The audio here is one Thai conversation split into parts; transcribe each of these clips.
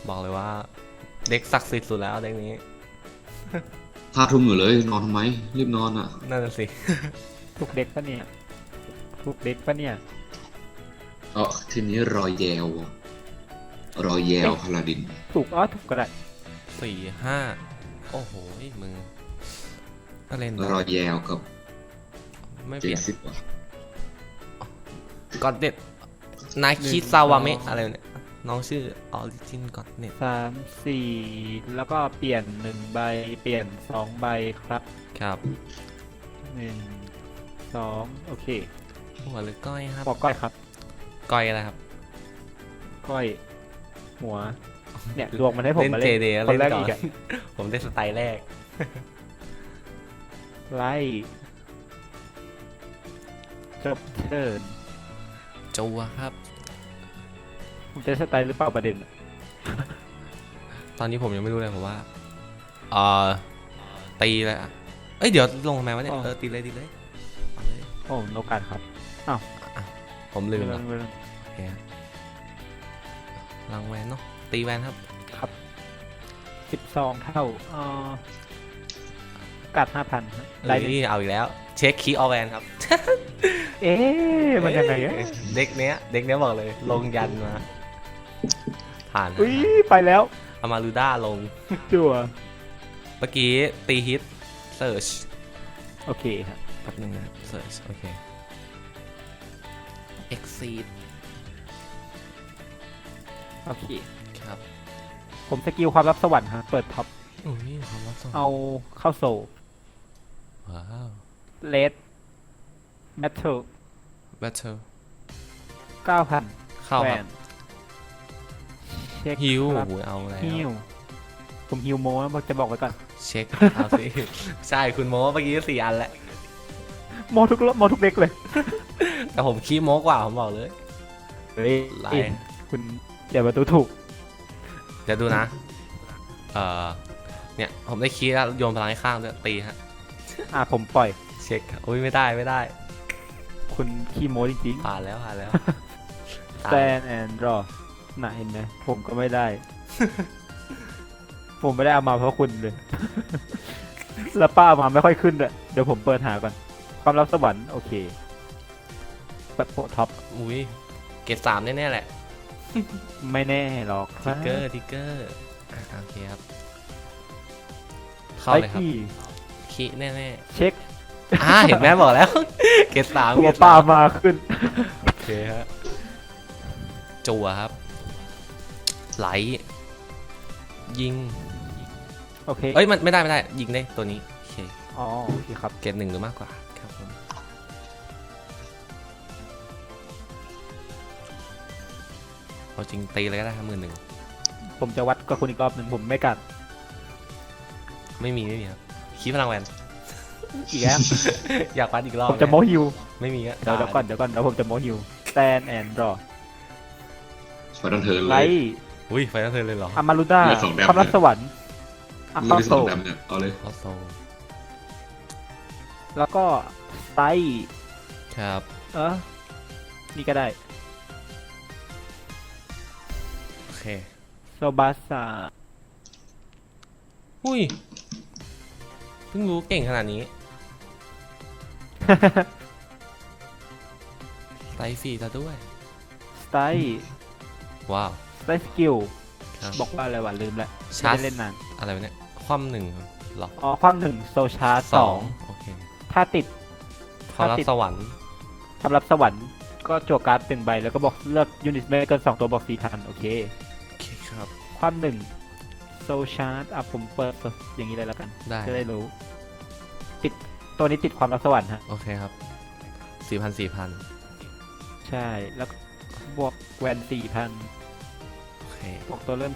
บอกเลยว่าเด็กศักดิ์สิทธิ์สุดแล้วเด็กนี้ 5 ทุ่มอยู่เลยนอนทำไมรีบนอนอ่ะนั่นสิถูกเด็กปะเนี่ยถูกเด็กปะเนี่ยทีนี้รอยแยวพาลาดินถูกถูกก็ได้ 4-5โอ้โหมึงก็เล่นรอยแยวกับไม่เปลี่ยน 70ว่ะก็เด็ดนาคิซาวาเมะอะไรเนี่ยน้องชื่อออริจินก็เน็ต 3 4แล้วก็เปลี่ยน1 ใบเปลี่ยน2 ใบครับครับ 1 2โอเคหัวหรือก้อยครับบอกก้อยครับก้อยอะไรครับก้อยหัวเนี่ยดวงมันให้ผมมาเล่นคนแรกอีกผมได้สไตล์แรกไล่จบเทิร์นจัวครับผมจะสไตล์หรือเปล่าประเด็นตอนนี้ผมยังไม่รู้เลยผมว่าตีเลยอ่ะเอ้ยเดี๋ยวลงทำไมวะเนี่ยตีเลยโอ้โนการครับอ้าวผมลืมแล้วโอเคลังแวนเนาะตีแวนครับครับ12 เท่ากัด 5,000 ไลนี่เอาอีกแล้วเช็คคีย์ออแวนครับมันยังไงเด็กเนี้ยบอกเลยลงยันมาผ่านไปแล้วอามารูด้าลงจั่วเมื่อกี้ตีฮิตเซิร์ชโอเคครับแป๊บนึงนะเซิร์ชโอเคเอ็กซีดโอเคครับผมสกิลความลับสวรรค์ฮะเปิดท็อปความลับสวรรค์เอาเข้าโซว้าวเลดแบทเทิล 9,000 เข้าครับเช็คฮิวเอาแล้วฮิวผมฮิวโม้จะบอกไว้ก่อนเช็คเอาสิใช่คุณโม้เมื่อกี้4 อันแหละโม้ทุกเด็กเลยแต่ผมขี้โม้กว่าผมบอกเลยไล่คุณอย่าประตูถูกเดี๋ยวดูนะเนี่ยผมได้คีย์แล้วโยนพลังให้ข้างด้วยตีฮะผมปล่อยเช็คอุ้ยไม่ได้คุณขี้โม้จริงๆผ่านแล้ว stand and draw น่ะเห็นไหมผมก็ไม่ได้ ผมไม่ได้เอามาเพราะคุณเลย แล้วป้ามาไม่ค่อยขึ้นเลยเดี๋ยวผมเปิดหาก่อนความลับสวรรค์โอเคแบบโปท็อปอุ้ยเกรด3แน่ๆแหละไม่แน่หรอกทิกเกอร์โอเคครับเข้าเลยครับคีแน่เช็คเห็นแม่บอกแล้วเกรด3 ตัวป้ามาขึ้นโอเคฮะจั่วครับไหลยิงโอเคเอ้ยมันไม่ได้ยิงได้ตัวนี้โอเคโอเคครับเกรด1หรือมากกว่าครับผมเอาจริงตีเลยก็ได้ครับ11,000 ผมจะวัดกับคุณอีกรอบหนึ่งผมไม่กัดไม่มีครับคีพลังแวนอีกแล้วอยากวัดอีกรอบผมจะโมฮิวไม่มีเดี๋ยวก่อนเดี๋ยวผมจะโมฮิว stand and draw ไฟนอลเทิร์นเลยไฟนอลเทิร์นเลยเหรออามารูด้าความลับสวรรค์เข้าโซเนี่ยเอาเลยเข้าโซแล้วก็ไซครับนี่ก็ได้โอเคโซบาสาเพิ่งรู้เก่งขนาดนี้สไตล์ฟรีซะด้วยสไตล์ว้าวสไตล์สกิลบอกว่าอะไรวะลืมแล้วไม่ได้เล่นนานอะไรเนี่ยคว่ำ1หรอคว่ำ1โซชาร์2 โอเคถ้าติดความลับสวรรค์ก็จั่วการ์ด1 ใบแล้วก็บอกเลือกยูนิตไม่เกิน2 ตัวบอก4,000โอเคครับคว่ำ1โซชาร์ผมเปิดอย่างนี้เลยแล้วกันจะได้รู้ติดตัวนี้ติดความลับสวรรค์ฮะโอเคครับ4,000 ใช่แล้วบวกแวน4,000 โอเคบวกตัวเริ่ม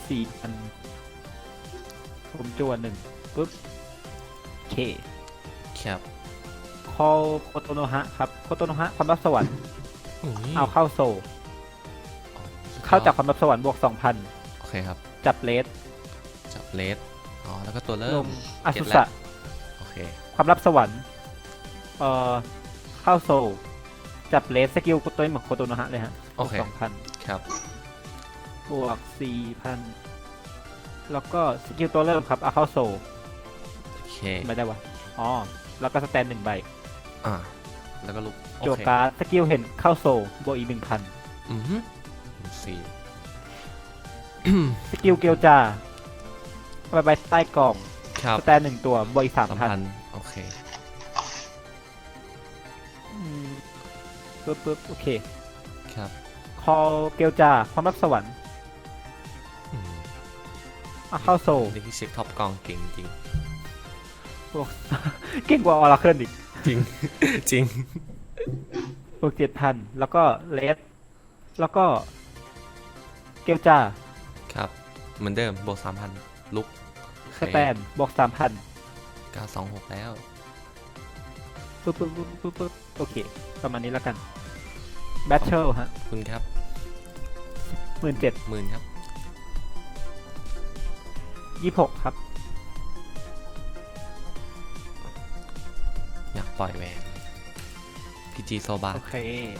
4,000ผมจั่ว1ปุ๊บเคครับคอโคโตโนฮะครับโคโตโนฮะความลับสวรรค์เอาเข้าโซเข้าจากความลับสวรรค์บวก 2,000 โอเคครับจับเลสแล้วก็ตัวเริ่มอาสุสะโอเคความลับสวรรค์เข้าโซจับเลสสกิลตัวนี้เหมือนโคโตโนฮะเลยฮะโอเค 2,000 ครับบวก 4,000 แล้วก็สกิลตัวเริ่มครับเอาเข้าโซโอเคไม่ได้วะอ๋อแล้วก็สแตน1 ใบอ่าแล้วก็ลุกโอโจเคการ์ดสกิลเห็นเข้าโซบวกอีกอือฮึสี่ 1,000สกิลเกียวจาเอาไปไว้ใต้กล่องครับสแตน1 ตัวบวกอีก 3,000 โอเคปึ๊บโอเคครับคอเกียวจาความรับสวรรค์อืมเอาเข้าโซนี่คือเช็คท็อปกองเก่งจริงบวก เก่งกว่าออราเคิลอีกจริง จริงบวก7,000แล้วก็เลสแล้วก็เกียวจาครับ เหมือนเดิมบวก3,000ลุกสแตนบวก 3,000 926แล้วปึ๊บโอเคประมาณนี้แล้วกันแบทเทิลฮะคุณครับ 17,000 หมื่นครับ 26ครับอยากปล่อยแหวนพีจีโซบาโอเค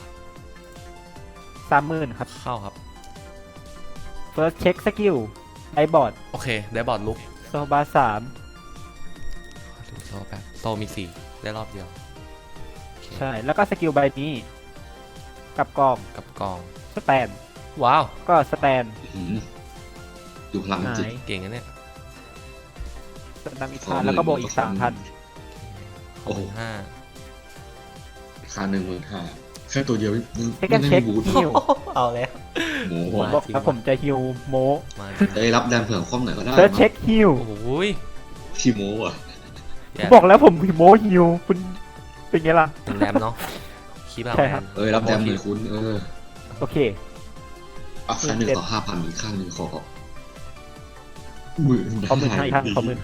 30,000ครับเข้าครับ first check skill ไอบอร์ดโอเค ได้บอร์ดลุกโซบา3 ดูโซแป๊บโซมี4ได้รอบเดียวโอเคใช่แล้วก็สกิลใบนี้ กับกองกับกองสแตนว้าวก็สแตนดูพลังหาจิตยเก่งนะเนี่ยสแตนอีก5แล้วก็บวกอีก 3,000 โอ้โหห้าราคา15,000แค่ตัวเดียวไม่เช็คกันเช็คบูทฮิวเอาแล้วโมผมบอกแล้วผมจะฮิวโมมาได้รับแดมเผื่อคว่ำหน่อยก็ได้เฟิร์สเช็คฮิวโอ้โหยพี่โมอ่ะผมบอกแล้วผมโมฮิวคุณเป็นไงล่ะเป็นแรมเนาะคีบเอาใช่แรครับมรับแดมหน่อยคุณโอเคอ่ะค่าหนึ่งต่อ5,000อีกข้างหนึ่งขอ15,000 ขอ15,000อีกครั้งขอ15,000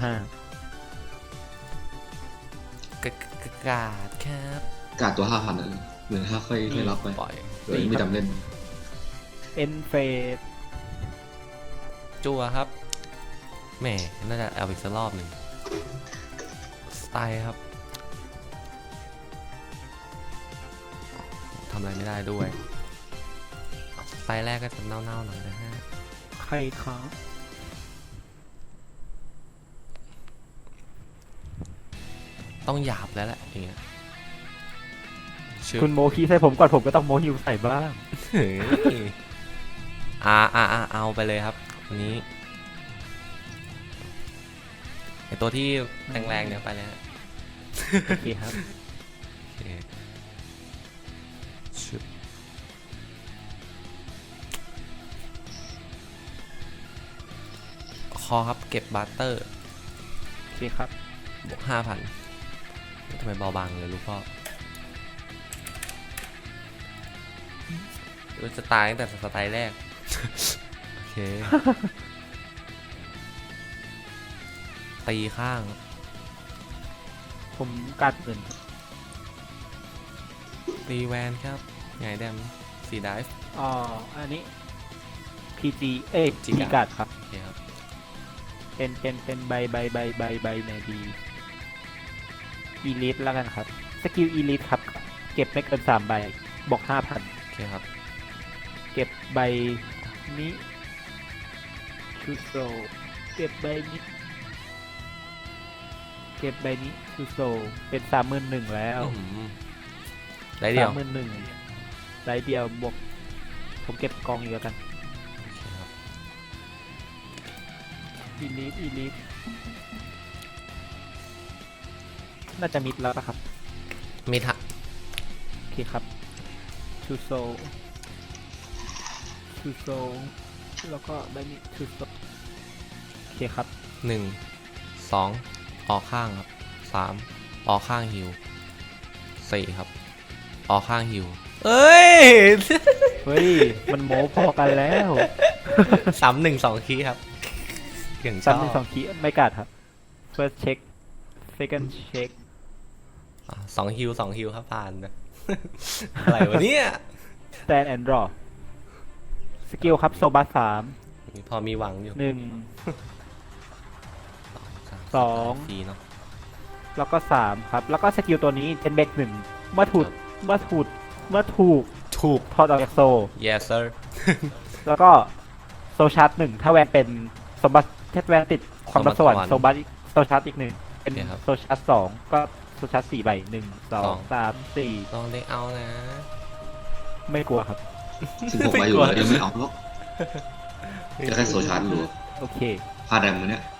กาดครับกาดตัว 5,000อ่ะ15,000ค่อยรับไปปล่อยไม่จำเล่นเอ็นเฟสจัวครับแหมน่าจะเอาอีกสักรอบหนึ่งสไตล์ครับทำอะไรไม่ได้ด้วยสไตล์แรกก็จะเน่าๆหน่อยนะฮะใครครับต้องหยาบแล้วแหละอย่างเงี้ยชื่อคุณโมคีใส่ผมก่อนผมก็ต้องโมฮิวใส่บ้างเฮ้ยเอาไปเลยครับวันนี้ไอตัวที่แรงๆเนี่ยไปเลยฮะโอเคครับโอเคชึบคอครับเก็บบัตเตอร์โอเคครับบวก5,000ทำไมเบาบางเลยลูกพ่อรู้จะตายตั้งแต่สไตล์แรก โอเค ตีข้างผมกัดเงินตีแวนครับไงแดมสีไดฟ์อ๋ออันนี้ PG เอ้ย G จีกัดครับโอเคครับเป็นใบในดีอีลิทแล้วกันครับ สกิลอีลิทครับ เก็บไม่เกิน3 ใบ บอก 5,000 โอเคครับเก็บใบนี้ชูโซเก็บใบนี้ชูโซเป็น 31,000 แล้วอื้อหือได้เดียว 31,000ไรเดียวบวก ผมเก็บกองอีกแล้วกันโอเคครับอีลิทน่าจะมิดแล้วปะครับมีทะโอเคครับชูโซแล้วก็ใบนี้ชูโซโอเคครับ 1 2ออกข้างครับ3ออกข้างฮิว4ครับออกข้างฮิวเอ้ยเฮ้ย มันโม้พอกันแล้ว 3-1-2คีย์ครับอย่างชซ้ำอหนึ่งบ 2 คีไม่กัดครับ first check second check 2ฮิวครับผ่านนะ อะไรวะเนี่ย stand and draw สกิลครับโซบัสพอมีหวังอยู่ 3 1 2 ฟรีเนาะแล้วก็3ครับ แล้วก็สกิลตัวนี้เป็นเบรก1เมื่อถูกถูกถอดออกจากโซ yes sir แล้วก็โซชาร์จ1ถ้าแวนเป็นสมบัติแคทแวนติดความรับสวรรค์โซบัสโซชาร์ตอีกหนึ่งเป็นโอเคครับโซชาร์ต2ก็โซชาร์ต4ใบ1 2 3 ลองได้เอานะ 4ไม่กลัวครับ 16ใบอยู่แล้วยังไม่เอาหรอกจะแค่โซชาร์จหรือโอเคพลาดแดงมือเนี่ย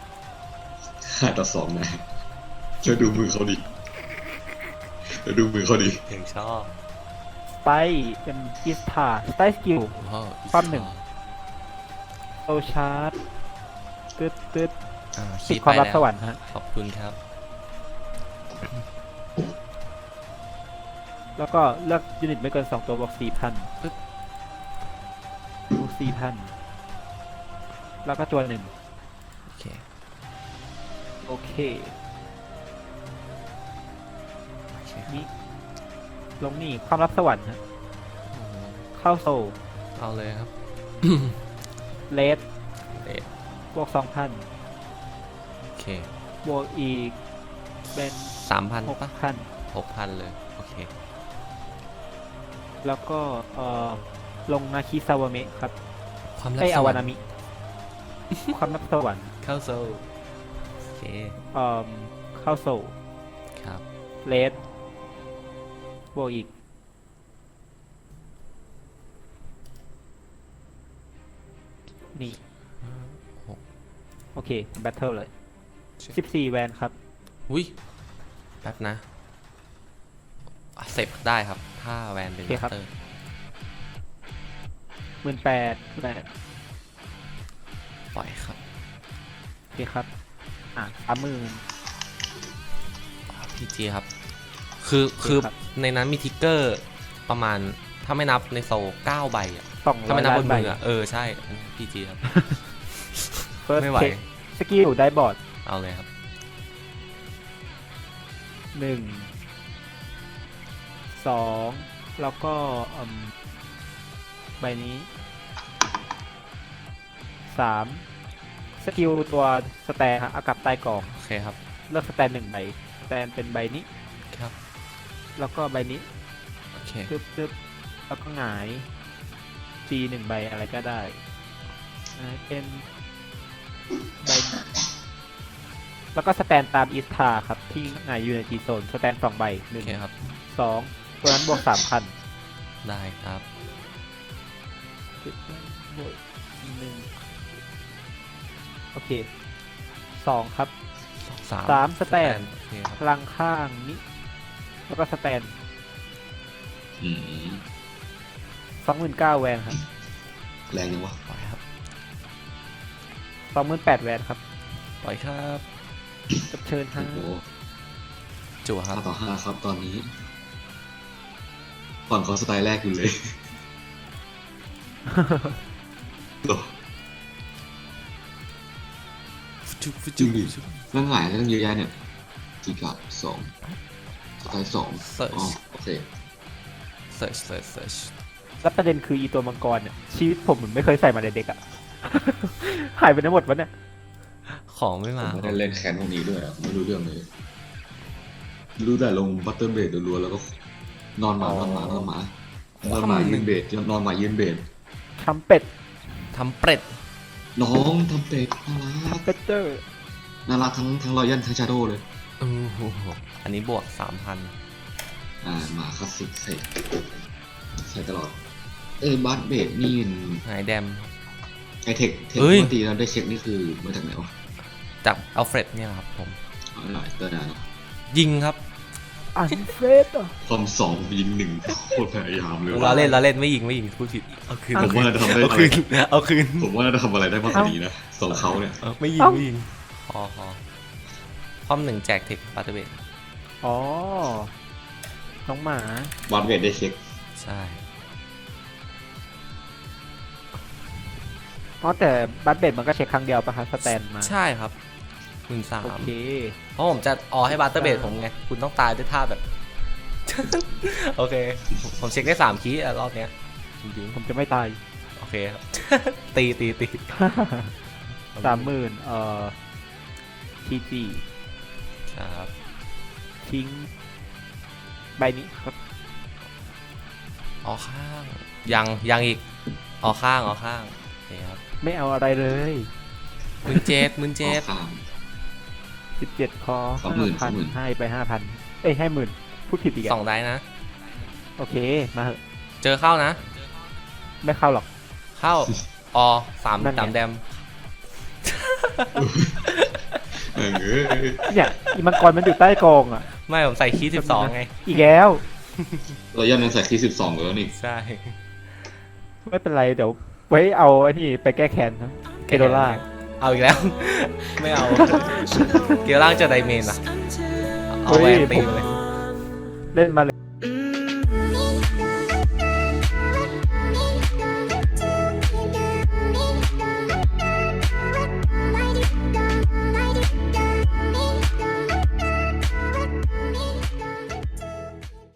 5-2นะช่วยดูมือเขาดิช่วยดูมือเขาดิถึงชอบไปเป็นอิสทาสไตสกิลว้าวความหนึ่ง โซชาร์ตตึ๊ดคิติดดความไปรับแล้สววรรค์ฮะขอบคุณครับแล้วก็เลือกยูนิตไม่เกิน2ตัวบวก 4,000 ปึ๊บบวก 4,000 แล้วก็จวนหนึ่งโอเคโอเคโอเคนี่ลงนี่ความรับสวรรค์ฮะอืมเข้าโซลเอาเลยครับเลสเอ๊ะบวก 2,000 โอเคบวกอีกเป็น 3,000ปะ 6,000 6,000 เลย โอเคแล้วก็ลงนาคิซาวาเมะครับความลับไอสอาวรวาร นาค์มิ ความรับสวรรค์เข้าโซลโอเคเข้าโซลครับเลสบวกอีก นี่ โอเค แบทเทิลเลย 14 แวนครับอุ้ยแป๊บนะเสพได้ครับ ถ้าแวนเป็นโอเคมาครับสเตอร์ 18,000แวนปล่อยครับโอเคครับ 30,000 พีจีครับ คือครับในนั้นมีทิกเกอร์ประมาณ ถ้าไม่นับในโซล9 ใบอ่ะ ถ้าไม่ 200 นับล้าบนนใบมืออ่ะ ใช่พีจีครับ First ไม่ไหว check สกิลได้บอร์ดเอาเลยครับ 2 แล้วก็ใบนี้ 3 สกิลตัวสแตนฮะเอากลับใต้กล่องโอเคครับเลือกสแตน1 ใบ สแตนเป็นใบนี้ครับแล้วก็ใบนี้โอเคตึ๊บแล้วก็หงาย G 1 ใบอะไรก็ได้เป็นใบนี้แล้วก็สแตนตามอิสทาครับ ที่หงายอยู่ใน G โซน สแตน2 ใบโอเคครับ 1 2 ตัวนั้นบวก 3,000 ได้ครับบวกอีก1โอเค 2 ครับ 3 สแตนโอเคครับพลังข้างนี้ แล้วก็สแตนอืม 29,000 แวนครับแรงยังวะปล่อยครับ 28,000 แวนครับปล่อยครับกับเชิญฮะโอ้โหจั่วครับ 5-5ครับตอนนี้ฝั่งเขาสไตล์แรกอยู่เลยโอ้จุ๊บจริจุ๊งบดิจุ๊บแล้วหงายแล้วตั้งเยอะแยะเนี่ยจีกับ2สไตล์2 Search อ๋อโอเคเซิร์ชเซิร์ชเซิร์ชแล้วประเด็นคืออีตัวมังกรเนี่ยชีวิตผมเหมือนไม่เคยใส่มาในเด็กอะ หายไปทั้งหมดวะเนี่ยของไม่ผมมาไม่ได้เล่นแคนพวกนี้ด้วยอะไม่รู้เรื่องเลย รู้แต่ลงบัตเตอร์เบดรัวๆแล้วก็นอนหมานอนหมานอนหมานอนหมายืนเบดนอนหมายืนเบดทำเป็ดทำเป็ดน้องทำเป็ดน่ารักทำเป็ดเจอร์น่ารักทั้งรอยันทั้งชาโดเลยโอ้โหอันนี้บวก 3,000 หมาคลาสสิกใส่ตลอดบัตเบดนี่หายแดมไอเทคเฮ้ยปกติเราได้เช็คนี่คือมาจากไหนวะจากอัลเฟรดเนี่ยครับผมเอาหน่อยเตอร์นาเนอะยิงครับอันเฟสอ่ะความ2ยิง1โคตรพยายามเลยเราเล่นไม่ยิงพูดผิด เอาคืนผมว่าจะทำได้เอาคืนเอาคืนผมว่าจะทำอะไรได้มากกว่านี้นะสองเขาเนี่ยไม่ยิงพอพร้อม1แจกเทคปาร์ตเบดอ๋อ น้องหมาบัตเบดได้เช็คใช่อ๋อแต่บัตเบ็ดมันก็เช็คครั้งเดียวปะคะสแตนมาใช่ครับ13,000 โอเคเพราะผมจะให้บาร์เตอร์เบดผมไง คุณต้องตายด้วยท่าแบบ โอเค ผมเช็คได้3คีย์รอบเนี้ยจริงผมจะไม่ตายๆโอเคครับ ตี 30,000ทีจีครับทิ้ง ใบนี้ครับออกข้าง ยังอีกออกข้างโอเคครับไม่เอาอะไรเลย 17,000 ข้าม 17 คอ 20,000 5,000ให้ไป 5,000 เอ้ยให้10,000พูดผิดอีกสอะองได้นะโอเค มาเหอะเจอเข้านะไม่เข้าหรอกเข้าอสามนั่นไงสามแดมเออเนี่ยอีมังกรมันอยู่ใต้กองอ่ะไม่ผมใส่คีย์12ไงอีกแล้วเราย่ำยังใส่ที่12แล้วนี่ใช่ไม่เป็นไร เดี๋ยวไว้เอาไอ้นี่ไปแก้แค้นนะเกโดล่าเอาอีกแล้ว ไม่เอา เกียร์ล่างจะไดเมนอ่ะ เอาแหวนตีเลยเล่นมาเลย